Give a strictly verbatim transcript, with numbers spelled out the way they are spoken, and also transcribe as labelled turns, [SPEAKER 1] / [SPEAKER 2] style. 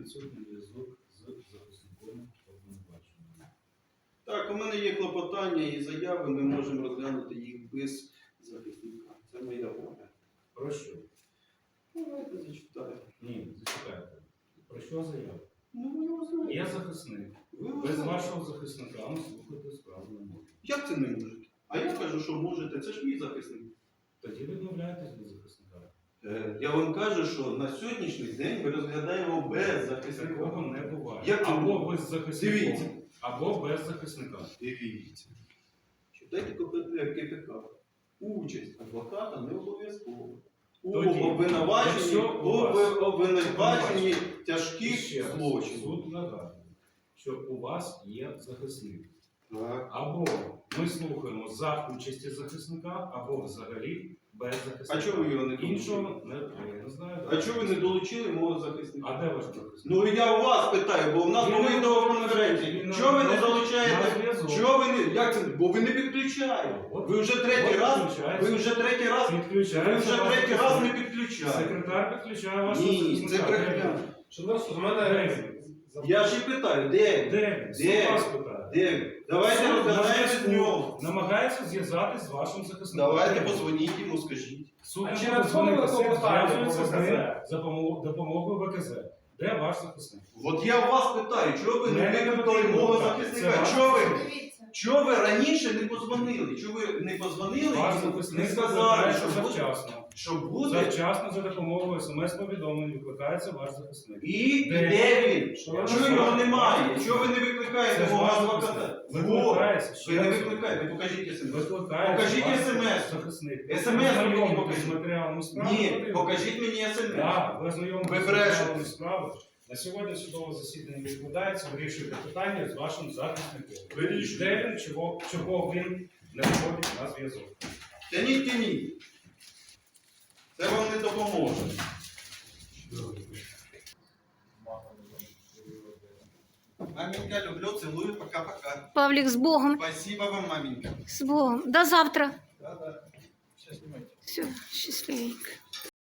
[SPEAKER 1] відсутній зв'язок з захисником обвинуваченого.
[SPEAKER 2] Так, у мене є клопотання і заяви, ми можемо розглянути їх без захисника. Це моя воля.
[SPEAKER 1] Про що?
[SPEAKER 2] Давайте зачитаю.
[SPEAKER 1] Ні, зачекайте. Про що заява?
[SPEAKER 2] Ну, ви його знаєте.
[SPEAKER 1] Я захисник.
[SPEAKER 2] Ви його
[SPEAKER 1] Без
[SPEAKER 2] знаєте.
[SPEAKER 1] вашого захисника ми слухати справу не можемо.
[SPEAKER 2] Як це не можете? А я кажу, що можете. Це ж мій захисник.
[SPEAKER 1] Тоді відмовляєтесь від захисника.
[SPEAKER 2] Е, Я вам кажу, що на сьогоднішній день ми розглядаємо без захисника.
[SPEAKER 1] Такого не буває.
[SPEAKER 2] Як це
[SPEAKER 1] або
[SPEAKER 2] не?
[SPEAKER 1] ви з захисником,
[SPEAKER 2] Дивіться.
[SPEAKER 1] або без захисника.
[SPEAKER 2] Дивіться. Читайте КПК. Участь адвоката не обов'язково. У
[SPEAKER 1] Тоді,
[SPEAKER 2] обвинуваченні,
[SPEAKER 1] якщо у вас-
[SPEAKER 2] об- обвинуваченні
[SPEAKER 1] Ще
[SPEAKER 2] тяжких
[SPEAKER 1] раз,
[SPEAKER 2] злочинів.
[SPEAKER 1] суд нагадує, що у вас є захисник.
[SPEAKER 2] Так.
[SPEAKER 1] Або ми слухаємо за участі захисника, або взагалі без захисника.
[SPEAKER 2] А чого ви його не долучили?
[SPEAKER 1] Іншого не, я не знаю.
[SPEAKER 2] А чого ви не долучили мого захисника?
[SPEAKER 1] А де ваш захисник?
[SPEAKER 2] Ну я у вас питаю, бо в нас
[SPEAKER 1] Він
[SPEAKER 2] були
[SPEAKER 1] на-
[SPEAKER 2] відеоконференції.
[SPEAKER 1] він
[SPEAKER 2] Чого ви
[SPEAKER 1] на-
[SPEAKER 2] не
[SPEAKER 1] на
[SPEAKER 2] залучаєте?
[SPEAKER 1] зв'язок.
[SPEAKER 2] Чого ви не. Як це? Бо ви не підключаєте.
[SPEAKER 1] От-
[SPEAKER 2] Ви вже третій
[SPEAKER 1] от
[SPEAKER 2] раз.
[SPEAKER 1] підключається.
[SPEAKER 2] Ви вже третій раз. Ви
[SPEAKER 1] Підключається
[SPEAKER 2] вже
[SPEAKER 1] ваш
[SPEAKER 2] третій раз
[SPEAKER 1] захисник.
[SPEAKER 2] не підключаєте.
[SPEAKER 1] Секретар підключає вашого
[SPEAKER 2] Ні,
[SPEAKER 1] захисника.
[SPEAKER 2] це брехня.
[SPEAKER 3] Шановні, у мене
[SPEAKER 1] Де він?
[SPEAKER 2] Я ж і питаю, де він?
[SPEAKER 1] Де він? Суд
[SPEAKER 2] Де?
[SPEAKER 1] вас питає.
[SPEAKER 2] Де він? Давайте
[SPEAKER 1] Суд на
[SPEAKER 2] розглядаємо з
[SPEAKER 1] зв'язку.
[SPEAKER 2] нього.
[SPEAKER 1] Намагається зв'язатись з вашим захисником.
[SPEAKER 2] Давайте
[SPEAKER 1] Де він?
[SPEAKER 2] позвоніть йому, скажіть.
[SPEAKER 1] Суд
[SPEAKER 3] А
[SPEAKER 1] не
[SPEAKER 3] чи
[SPEAKER 1] буде
[SPEAKER 3] надходило
[SPEAKER 1] дзвонити, суд
[SPEAKER 3] клопотання
[SPEAKER 1] зв'язується з
[SPEAKER 3] по
[SPEAKER 1] ним
[SPEAKER 3] ВКЗ?
[SPEAKER 1] за помо- допомогою ВКЗ. Де ваш захисник?
[SPEAKER 2] От я у вас питаю, чого ви не
[SPEAKER 1] Мене не
[SPEAKER 2] викликали
[SPEAKER 1] потрібно
[SPEAKER 2] мого
[SPEAKER 1] питати.
[SPEAKER 2] захисника?
[SPEAKER 1] Це ваш
[SPEAKER 2] Чого ви?
[SPEAKER 4] Дивіться.
[SPEAKER 2] Чого ви раніше не позвонили? Чого ви не позвонили
[SPEAKER 1] Ваш
[SPEAKER 2] і не
[SPEAKER 1] захисник
[SPEAKER 2] сказали, що
[SPEAKER 1] викликається
[SPEAKER 2] буде?
[SPEAKER 1] завчасно.
[SPEAKER 2] Що буде?
[SPEAKER 1] Завчасно за допомогою смс-повідомлень викликається ваш захисник.
[SPEAKER 2] І
[SPEAKER 1] Де?
[SPEAKER 2] де він?
[SPEAKER 1] Що
[SPEAKER 2] Чого
[SPEAKER 1] ви
[SPEAKER 2] його
[SPEAKER 1] знаєте?
[SPEAKER 2] немає? Чого ви не викликаєте
[SPEAKER 1] Це
[SPEAKER 2] мого
[SPEAKER 1] ваш
[SPEAKER 2] адвоката?
[SPEAKER 1] захисник.
[SPEAKER 2] Во!
[SPEAKER 1] Викликається. ще
[SPEAKER 2] Ви не
[SPEAKER 1] раз.
[SPEAKER 2] викликаєте, покажіть смс.
[SPEAKER 1] Викликається
[SPEAKER 2] Покажіть
[SPEAKER 1] ваш
[SPEAKER 2] смс.
[SPEAKER 1] захисник.
[SPEAKER 2] смс
[SPEAKER 1] Ви
[SPEAKER 2] мені
[SPEAKER 1] ознайомитесь
[SPEAKER 2] покажіть.
[SPEAKER 1] з матеріалами справи.
[SPEAKER 2] Ні,
[SPEAKER 1] подивитесь.
[SPEAKER 2] покажіть мені смс.
[SPEAKER 1] Так, ви ознайомитесь
[SPEAKER 2] Ви
[SPEAKER 1] з
[SPEAKER 2] брешете.
[SPEAKER 1] матеріалами справи. На сьогодні судове засідання відкладається, вирішуєте питання з вашим захисником.
[SPEAKER 2] Вирішуйте.
[SPEAKER 1] Де він, чого, чого він не виходить на зв'язок.
[SPEAKER 2] Тяніть, тяніть. Це вам не допоможе. Маменька, люблю, целую, пока-пока.
[SPEAKER 4] Павлік, з Богом.
[SPEAKER 2] Спасибо вам, маменька.
[SPEAKER 4] З Богом. До завтра.
[SPEAKER 2] Да-да. Сейчас снимайте.
[SPEAKER 4] Все, щасливенько.